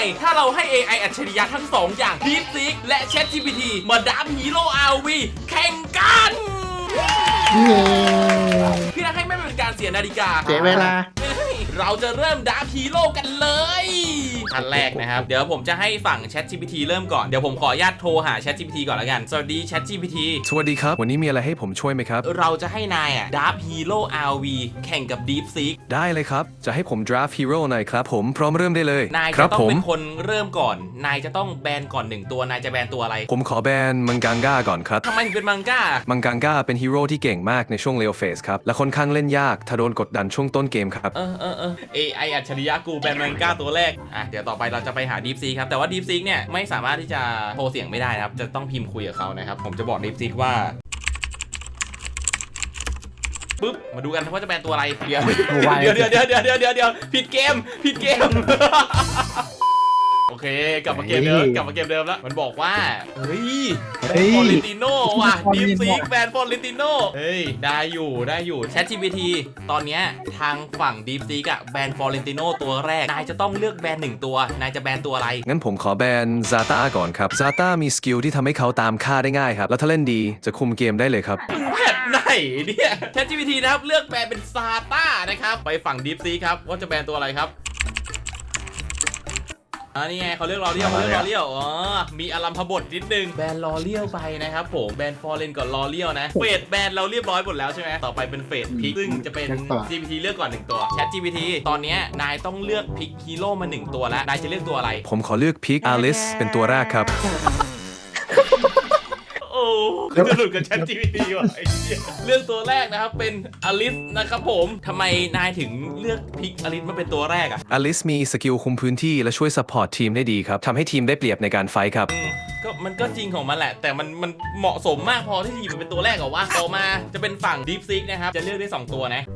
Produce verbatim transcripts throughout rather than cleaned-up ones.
ถ้าเราให้ เอ ไอ อัจฉริยะทั้งสองอย่าง DeepSeek และ ChatGPT มาดับฮีโร่ อาร์ วี แข่งกันพี่นักให้ไม่เป็นการเสียนาฬิกาเสียเวลาเราจะเริ่มดับฮีโร่กันเลยขั้นแรกนะครับเดี๋ยวผมจะให้ฝั่ง ChatGPT เริ่มก่อนเดี๋ยวผมขออนุญาตโทรหา ChatGPT ก่อนแล้วกันสวัสดี ChatGPT สวัสดีครับวันนี้มีอะไรให้ผมช่วยไหมครับเราจะให้นายอ่ะดับฮีโร่ อาร์ วี แข่งกับ DeepSeek ได้เลยครับจะให้ผม draft hero หน่อยครับผมพร้อมเริ่มได้เลยนายจะต้องเป็นคนเริ่มก่อนนายจะต้องแบนก่อนหนึ่งตัวนายจะแบนตัวอะไรผมขอแบนมังกังก้าก่อนครับทำไมถึงเป็นมังก้ามังกังก้าเป็นฮีโร่ที่เก่งมากในช่วงเลวเฟสครับและค่อนข้างเล่นยากถ้าโดนกดดันช่วงต้นเกมครับเออเออเออ เอ ไอ อัจฉริยะกูแบนมังก้าตัวแรกอ่ะเดี๋ยวต่อไปเราจะไปหา DeepSeek ครับแต่ว่า DeepSeek เนี่ยไม่สามารถที่จะโทรเสียงไม่ได้นะครับจะต้องพิมพ์คุยกับเขานะครับผมจะบอก DeepSeek ว่าปึ๊บมาดูกันว่าจะแบนตัวอะไรเดี๋ยวเดี๋ยวเดี๋ยวเดี๋ยวเดี๋ยวเดี๋ยวเดี๋ยวเดี๋ยวผิดเกมผิดเกมโอเคกลับมาเกมเดิมกลับมาเกมเดิมแล้วมันบอกว่าเฮ้ยแบนฟอร์เรนติโน่ว่ะ DeepSeek แบนฟอร์เรนติโน่เฮ้ยได้อยู่ได้อยู่ ChatGPT ตอนเนี้ยทางฝั่ง DeepSeek อะแบนฟอร์เรนติโน่ตัวแรกนายจะต้องเลือกแบนหนึ่งตัวนายจะแบนตัวอะไรงั้นผมขอแบนซาต้าก่อนครับซาต้ามีสกิลที่ทำให้เขาตามฆ่าได้ง่ายครับแล้วถ้าเล่นดีจะคุมเกมได้เลยครับแบนไหนเนี่ย ChatGPT นะครับเลือกแบนเป็นซาต้านะครับไปฝั่ง DeepSeek ครับว่าจะแบนตัวอะไรครับอันนี้ไงเขาเลือกลอเลียวเขาเลือกลอเลียวอ๋อมีอารัมพบทนิดนึงแบนลอเลียวไปนะครับผมแบนฟอร์เรนก่อนลอเลียวนะเฟสแบนเราเรียบร้อยหมดแล้วใช่ไหมต่อไปเป็นเฟสพิกซึ่งจะเป็น จี พี ที เลือกก่อนหนึ่งตัว ChatGPT ตอนนี้นายต้องเลือกพิกฮีโร่มาหนึ่งตัวแล้วนายจะเลือกตัวอะไรผมขอเลือกพิกอลิสเป็นตัวแรกครับโอ้จะหลุดกับ ChatGPT ว่ะเลือกตัวแรกนะครับเป็นอลิสนะครับผมทำไมนายถึงเลือกพิกอลิสมาเป็นตัวแรกอะอลิสมีสกิลคุมพื้นที่และช่วยซัพพอร์ตทีมได้ดีครับทำให้ทีมได้เปรียบในการไฟท์ครับก็มันก็จริงของมันแหละแต่มันมันเหมาะสมมากพอที่จะหยิบมันเป็นตัวแรกเหรอวะต่อมาจะเป็นฝั่ง DeepSeek นะครับจะเลือกได้สองตัวนะ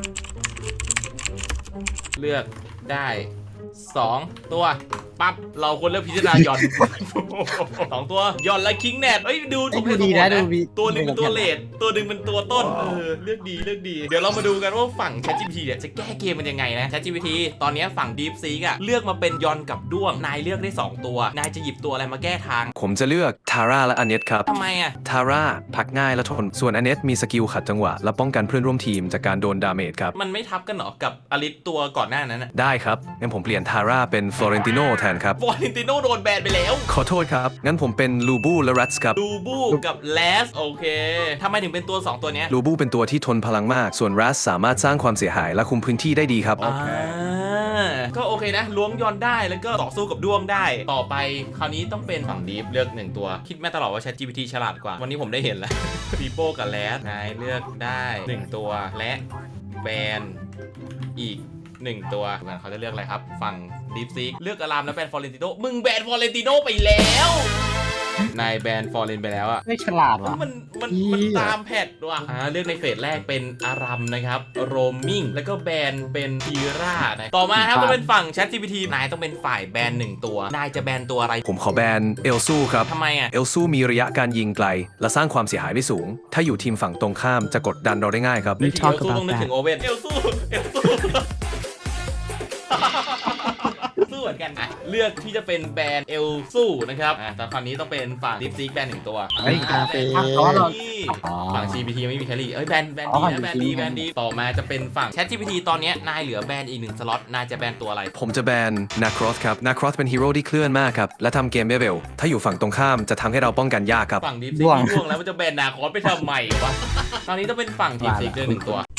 เลือกได้สองตัวปั๊บเราควรเลือกพิจารณาหย่อนสองตัวหย่อนและคิงแนทเอ้ยดูถูกดีนะดูตัวหนึ่งเป็นตัวเลดตัวหนึ่งเป็นตัวต้นเออเลือกดีเลือกดีเดี๋ยวเรามาดูกันว่าฝั่ง ChatGPT เนี่ยจะแก้เกมมันยังไงนะ ChatGPT ตอนนี้ฝั่ง DeepSeek อะเลือกมาเป็นยอนกับด้วงนายเลือกได้สองตัวนายจะหยิบตัวอะไรมาแก้ทางผมจะเลือกทาร่าและอเนตครับทำไมอะทาร่าพักง่ายและทนส่วนอเนตมีสกิลขัดจังหวะและป้องกันเพื่อนร่วมทีมจากการโดนดาเมจครับมันไม่ทับกันหรอกับอลิสตัวก่อนหน้านั้นนะได้ครับงั้นผมเปลี่ยนทาร่าเป็นฟลอเรนติโน่แทนครับฟลอเรนติโน่โดนแบนไปแล้วขอโทษครับงั้นผมเป็นลูบูและรัตส์ครับลูบูกับแลสโอเคทำไมถึงเป็นตัวสองตัวนี้ลูบูเป็นตัวที่ทนพลังมากส่วนรัตส์สามารถสร้างความเสียหายและคุมพื้นที่ได้ดีครับอ่าก็โอเคนะล้วงยอนได้แล้วก็ต่อสู้กับด้วงได้ต่อไปคราวนี้ต้องเป็นฝั่งดีฟเลือกหนึ่งตัวคิดแม่ตลอดว่า ChatGPT ฉลาดกว่าวันนี้ผมได้เห็นแล้วปีโป้กับแลสนายเลือกได้หนึ่งตัวและแบนอีกหนึ่งตัวเขาจะเลือกอะไรครับฝั่ง DeepSeek เลือกอารามแล้วแบนฟอร์เรนติโน่มึงแบนฟอร์เรนติโน่ไปแล้วนายแบนฟอร์เรนไปแล้วอ่ะไม่ฉลาดว่ะมันมันมันตามแพทว่ะอ่าเลือกในเฟสแรกเป็นอารัมนะครับโรมมิ่งแล้วก็แบนเป็นทีร่านะต่อมาครับต้องเป็นฝั่ง ChatGPT นายต้องเป็นฝ่ายแบนหนึ่งตัวนายจะแบนตัวอะไรผมขอแบนเอลซูครับทำไมอ่ะเอลซูมีระยะการยิงไกลและสร้างความเสียหายได้สูงถ้าอยู่ทีมฝั่งตรงข้ามจะกดดันเราได้ง่ายครับเอลซูต้องนึกถึงโอเว่นเอลซูเอลซูสู้เหมือนกันอ่ะเลือกที่จะเป็นแบรนด์เอลสู้นะครับอ่ะแต่คราวนี้ต้องเป็นฝั่ง DeepSeek แบรนด์หนึ่งตัวเฮ้ยคาเฟ่ฝั่ง จี พี ที ไม่มีแครี่เอ้ยแบรนด์แบรนด์ดีนะแบรนด์ดีแบรนด์ดีต่อมาจะเป็นฝั่ง ChatGPT ตอนนี้นายเหลือแบรนด์อีกหนึ่งสล็อตนายจะแบรนด์ตัวอะไรผมจะแบนนาครอสครับนาครอสเป็นฮีโร่ที่เคลื่อนมากครับและทำเกมได้เร็วถ้าอยู่ฝั่งตรงข้ามจะทำให้เราป้องกันยากครับฝั่ง DeepSeek มีร่วงแล้วมันจะแบนนาครอสไปทำไมวะตอนนี้ต้องเป็นฝั่ง DeepSeek ด้วยหนึ่งตัว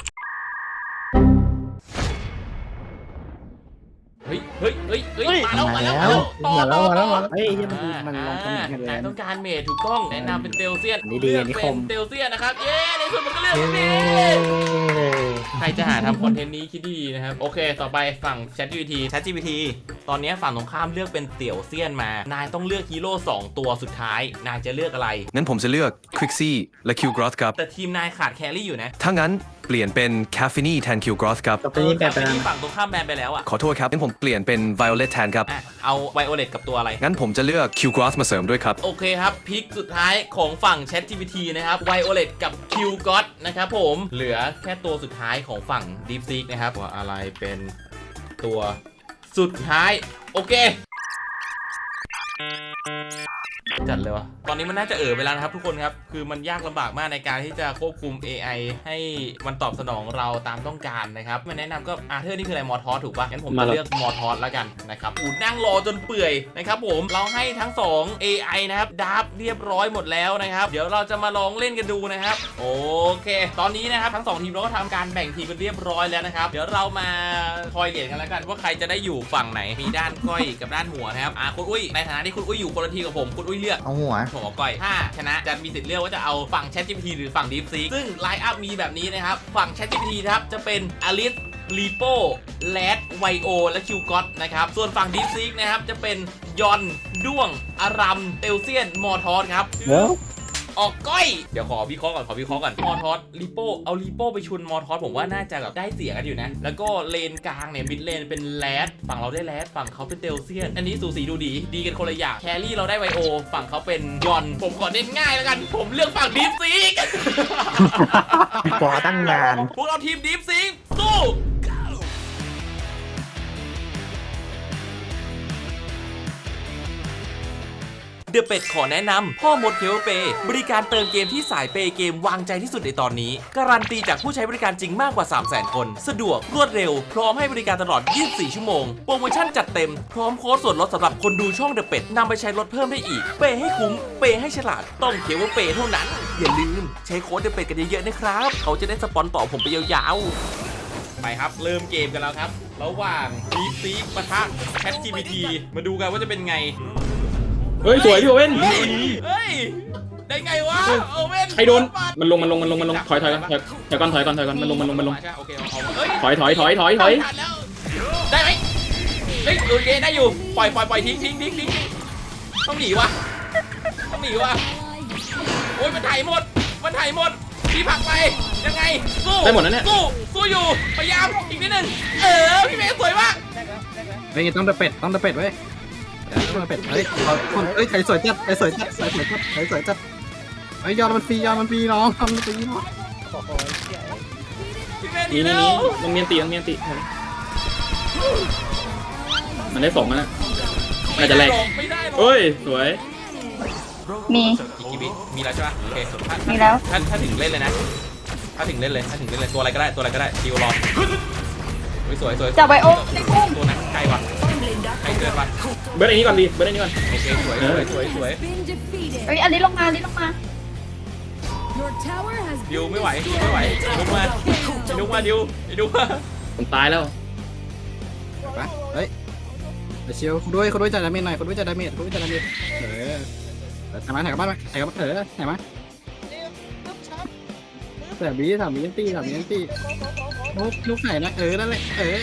เฮ้ยเฮ้ยเฮ้ยเฮ้ยมาแล้วมาแล้วต่อต่อต่อเฮ้ยมันมันลงกันเลยนายต้องการเมทถูกต้องแนะนำเป็นเตลเซียนเลือกเป็นเตลเซียนนะครับเย้ในสุดมันก็เลือกเมทใครจะหาทำคอนเทนต์นี้คิดดีนะครับโอเคต่อไปฝั่ง ChatGPT ChatGPT ตอนนี้ฝั่งตรงข้ามเลือกเป็นเตี่ยวเซียนมานายต้องเลือกฮีโร่สองตัวสุดท้ายนายจะเลือกอะไรงั้นผมจะเลือกควิกซี่และคิวกรอสครับแต่ทีมนายขาดแครี่อยู่นะถ้างั้นเปลี่ยนเป็นแคฟฟินี่แทนคิวกรอสครับตอนนี้แบบฝั่งตรงข้ามแบนไปแล้วอ่ะขอโทษครับงั้นผมเปลี่ยนเป็นไวโอเลตแทนครับเอาไวโอเลตกับตัวอะไรงั้นผมจะเลือกคิวกรอสมาเสริมด้วยครับโอเคครับพิกสุดท้ายของฝั่ง ChatGPT นะครับไวโอเลตกับคิวกรอสนะครับผมเหลือแค่ตัวสุดท้ายของฝั่ง DeepSeek นะครับว่าอะไรเป็นตัวสุดท้ายโอเคจัดเลยวะตอนนี้มันน่าจะเอ่อไปแล้วนะครับทุกคนครับคือมันยากลำบากมากในการที่จะควบคุม เอ ไอ ให้มันตอบสนองเราตามต้องการนะครับมันแนะนำก็อาเธอร์นี่คืออะไรมอทอสถูกปะงั้นผมจะเลือกมอทอสแล้วกันนะครับอูนั่งรอจนเปื่อยนะครับผมเราให้ทั้งสอง เอ ไอ นะครับดับเรียบร้อยหมดแล้วนะครับเดี๋ยวเราจะมาลองเล่นกันดูนะครับโอเคตอนนี้นะครับทั้งสองทีมเราก็ทำการแบ่งทีมกันเรียบร้อยแล้วนะครับเดี๋ยวเรามาคอยเหรียญกันแล้วกันว่าใครจะได้อยู่ฝั่งไหนมีด้านก้อยกับด้านหัวนะครับอ่ะคุณอุ้ยในฐานะที่คุณอุ้ยอยู่คนละทีมกับผมคุณอุ้ยเลือกเอาหัวผมเอาก้อยถ้าชนะจะมีสิทธิ์เลือกว่าจะเอาฝั่ง ChatGPT หรือฝั่ง DeepSeek ซึ่งไลน์อัพมีแบบนี้นะครับฝั่ง ChatGPT ครับจะเป็น Alice Lipo Lad Vio และ Qgot นะครับส่วนฝั่ง DeepSeek นะครับจะเป็นยอนด้วงอารัมเตลเซียนมอทอสครับเดี๋ยวออกก้อยเดี๋ยวขอวิเคราะห์ก่อนขอวิเคราะห์ก่อนมอทอสลิโป้เอาลิโป้ไปชนมอทอสผมว่าน่าจะแบบได้เสียกันอยู่นะแล้วก็เลนกลางเนี่ยมิดเลนเป็นแรดฝั่งเราได้แรดฝั่งเขาเป็นเตลเซียนอันนี้สูสีดูดีดีกันคนละอย่างแครี่เราได้ไวโอฝั่งเขาเป็นยอนผมขอเน้นง่ายแล้วกันผมเลือกฝั่งดีฟซีกปอตั้งนานพวกเราทีมดีฟซีกสู้เดอะเป็ดขอแนะนำพ่อมดเคเบิลเปย์บริการเติมเกมที่สายเปย์เกมวางใจที่สุดในตอนนี้การันตีจากผู้ใช้บริการจริงมากกว่า สามแสน คนสะดวกรวดเร็วพร้อมให้บริการตลอด ยี่สิบสี่ ชั่วโมงโปรโมชั่นจัดเต็มพร้อมโค้ดส่วนลดสำหรับคนดูช่องเดอะเป็ดนำไปใช้ลดเพิ่มได้อีกเปย์ให้คุ้มเปย์ให้ฉลาดต้องเคเบิลเปย์เท่านั้นอย่าลืมใช้โค้ดเดอะเป็ดกันเยอะๆนะครับเขาจะได้สปอนต่อผมไปยาวๆไปครับเริ่มเกมกันแล้วครับระหว่าง DeepSeek ปะทะ ChatGPT มาดูกันว่าจะเป็นไงเฮ้ยสวยพี่โอเว่นเฮ้ยเฮ้ยได้ไงวะโอเว่นใครโดนมันลงมันลงมันลงมันลงถอยถอยถอยถอยก่อนถอยก่อนถอยก่อนมันลงมันลงมันลงโอเคเอาเฮ้ยถอยถอยถอยถอยถอยได้ไหมเฮ้ยโอเคได้อยู่ปล่อยปล่อยปล่อยทิ้งทิ้งทิ้งทิ้งต้องหนีวะต้องหนีวะโอ้ยมันถ่ายหมดมันถ่ายหมดพี่ผักไปยังไงสู้ได้หมดนะเนี่ยสู้สู้อยู่พยายามอีกนิดนึงเออพี่เมย์สวยมากเฮ้ยต้องตะเป็ดต้องตะเป็ดไว้ต้องตะเป็ดเฮ้ยคนเฮ้ยไข่สวยจัดไข่สวยจัดไข่สวยจัดไข่สวยจัดไอ้ยอดมันฟรียอดมันฟรีน้องทำมันฟรีน้องพี่เมย์หนีนี่นี่แล้นี่วลงเมียนตีลงเมียนตีมันได้สองแล้วน่าจะแรกไม่ได้หรอกเฮ้ยสวยมีอีกกี่วิมีแล้วใช่ปะโอเคถ้ามีแล้วถ้าถ้าถึงเล่นเลยนะถ้าถึงเล่นเลยถ้าถึงเล่นเลยตัวอะไรก็ได้ตัวอะไรก็ได้ดิวรอสวยสวยจับไวโอในพุ่มตัวนั้นไกลว่ะไกลเกินว่ะเบิร์ดไอ้นี่ก่อนดีเบิร์ดไอ้นี่ก่อนโอเคสวยสวยสวยสวยเฮ้ยอันนี้ลงมาอันนี้ลงมาดิวไม่ไหวดิวไม่ไหวลุกมาลุกมาดิวดิวมาผมตายแล้วไปเฮ้ยเชียวคุณด้วยคุณด้วยจัดดาเมจหน่อยคุณด้วยจัดดาเมจคุณด้วยจัดดาเมจเออถ่ายมาถ่ายกลับบ้านมาถ่ายกลับเออถ่ายมาแต่บีถามบีนตี้ถามบีนตี้ลูกลูกไหนนะเออนั่นแหละเออ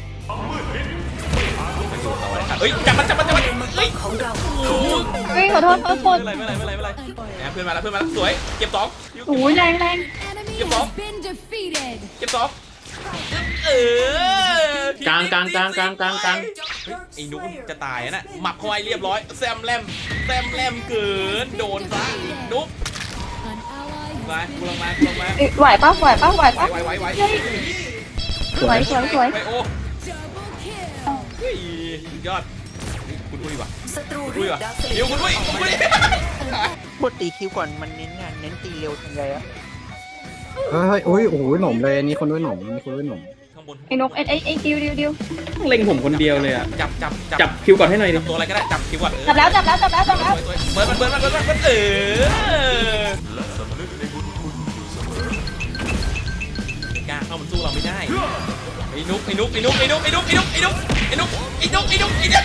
เฮ้ยจับมันจับมันจับมันเฮ้ยเฮ้ยขอโทษขอโทษไม่เป็นไรไม่เป็นไรไม่เป็นไรเพื่อนมาแล้วเพื่อนมาแล้วสวยเก็บสองโอ้ยแรงแรงเก็บสองเก็บสองเออกลางกลางกลางกลางกลางกลางไอ้นุ๊กจะตายนะหมับเข้าไปเรียบร้อยแซมแลมแซมแลมเกินโดนซะนุ๊กมากูลงมากูลงมาไหวปะไหวปะไหวปะไหวไหวไหวสวยสวยสวยไปโอ้เฮ้ยยอดคุณอุ้ยว่ะคุณอุ้ยว่ะเดี๋ยวคุณอุ้ยคุณอุ้ยบทตีคิวก่อนมันเน้นงานเน้นตีเร็วทันใจอะเฮ้ยโอ้ยโอ้ยหนมเลยนี่คนด้วยหนมนี่คนด้วยหนมข้างบนไอ้นกไอ้ไอ้ไอ้ดิวดิวดิวเล็งผมคนเดียวเลยอ่ะจับจับจับคิวก่อนให้หน่อยดิตัวอะไรก็ได้จับคิวก่อนจับแล้วจับแล้วจับแล้วจับแล้วเบิร์ดมันเบิร์ดมันเบิร์ดมันเออกล้าเข้ามันสู้เราไม่ได้ไอ้นุ๊กไอ้นุ๊กไอ้นุ๊กไอ้นุ๊กไอ้นุ๊กไอ้นุ๊กไอ้นุ๊กไอ้นุ๊กไอ้นุ๊กไอ้นุ๊กไอ้นุ๊ก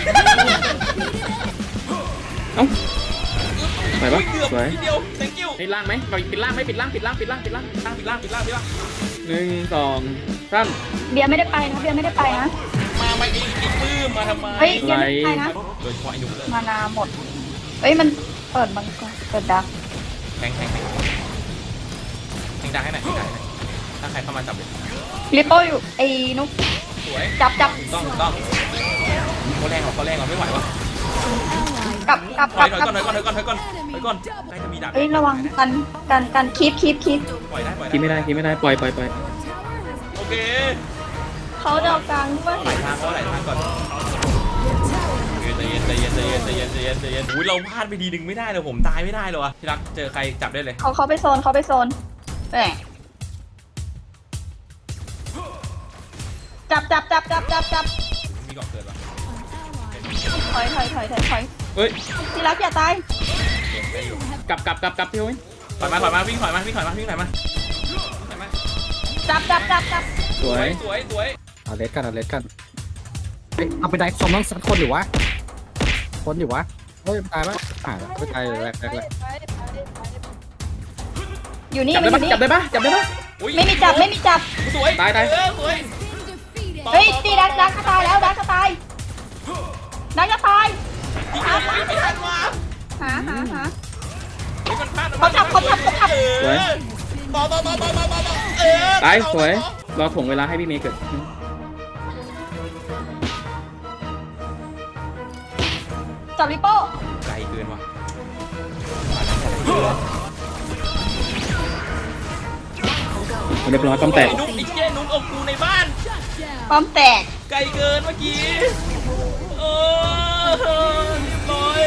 เอ้าไปปะเกือบสวยทีเดียว thank you ให้ล่างไหมเราปิดล่างไหมปิดล่างปิดล่างปิดล่างปิดล่างล่างปิดล่างปิดล่างปิดล่างหนึ่งสองสามเบียร์ไม่ได้ไปนะเบียร์ไม่ได้ไปนะมาไม่ไอ้ไอ้ปื้มมาทำไมเฮ้ยเบียร์ไม่ได้ไปนะโดยเฉพาะไอ้นุ๊กเลยมานาหมดเฮ้ยมันเปิดมันก่อนเปิดดักแทงแทงแทงแทงดังให้หน่อยแทงดังให้หน่อยถ้าใครเข้ามาจับเลยลิปโป้อยู่ไอ้นุกสวยจับจับถูกต้องถูกต้องเขาแรงหรอเขาแรงหรอไม่ไหววะกลับกลับถกอลัยบถอยกลับก่อนถอยก่อนถอยก่อนถอยก่อนถอยก่อนใกล้จะมีดักเฮ้ยระวังกันกันกันคีบคีบคีบปล่อยได้ปล่อยกินไม่ได้ได้กินไม่ได้ปล่อยปล่อยปล่อยโอเคเขาเดากลางด้วยไหลทางเขาไหลทางก่อนย็นใจเย็นอุ้ยเราพลาดไปทีนึงไม่ได้เลยผมตายไม่ได้เลยวะที่รักเจอใครจับได้เลยเขาเขาไปโซนเขาไปโซนแหมจับจับจับจับจับจับมีก่อนเกิดปะถอยถอยถอยถอยถอยเฮ้ยที่รักอย่าตายได้อยู่กลับกลับกลับกลับพี่โอ้ยถอยมาถอยมาวิ่งถอยมาวิ่งถอยมาวิ่งถอยมาถอยมาจับจับจับจับสวสวย ยสวยสวยเอาเลสกันเอาเลสกันเฮ้ยเอาไปได้คอมต้องสักคนอยู่วะคนอยู่วะเฮ้ยตายปะอ่าไม่ตายแรกแรกแรกอยู่นี่จับมัได้นอปะยู่นี่จับได้ปะจับได้ปะอุ๊ยไม่มีจับไม่มีจับสวยตายตายเออสวยเฮ้ยตีดักดักจะตายแล้วดักจะตายดักจะตายยิงไม่ไม่ทันว่ะหาหาหาเฮ้ยมันพลาดเขาจับเขาจับเขาจับเออต่อต่อต่อต่อต่อต่อต่อเออตายต่อสวยต่อรอถ่วงเวลาให้พี่เมย์เกิดจับลิโป้ไกลเกินว่ะเรียบร้อยป้อมแตกไอ้นุ๊กไอ้เจ้นุ๊กเอากูในบ้านป้อมแตกไกลเกินเมื่อกี้เออเรียบร้อย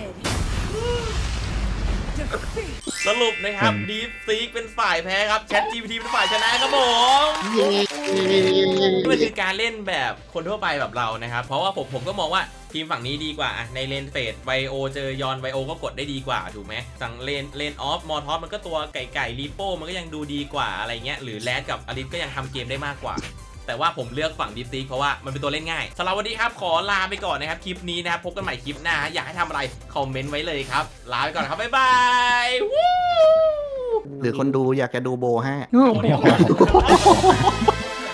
สรุปนะครับ Deep Seek เป็นฝ่ายแพ้ครับ ChatGPT เป็นฝ่ายชนะครับผมมันคือการเล่นแบบคนทั่วไปแบบเรานะครับ เพราะว่าผมผมก็มองว่าทีมฝั่งนี้ดีกว่าอะในเลนเฟดไวโอเจอยอนไวโอก็กดได้ดีกว่าถูกไหมสั่งเลนเลนออฟมอทอสมันก็ตัวไก่ไก่รีโป้มันก็ยังดูดีกว่าอะไรเงี้ยหรือแรดกับอลิสก็ยังทำเกมได้มากกว่า แต่ว่าผมเลือกฝั่งดิฟซีเพราะว่ามันเป็นตัวเล่นง่ายสำหรับวันนี้ครับขอลาไปก่อนนะครับคลิปนี้นะครับพบกันใหม่คลิปหน้าอยากให้ทำอะไรคอมเมนต์ไว้เลยครับลาไปก่อนครับบ๊ายบายวู้หรือคนดูอยากจะดูโบให้โอ้โห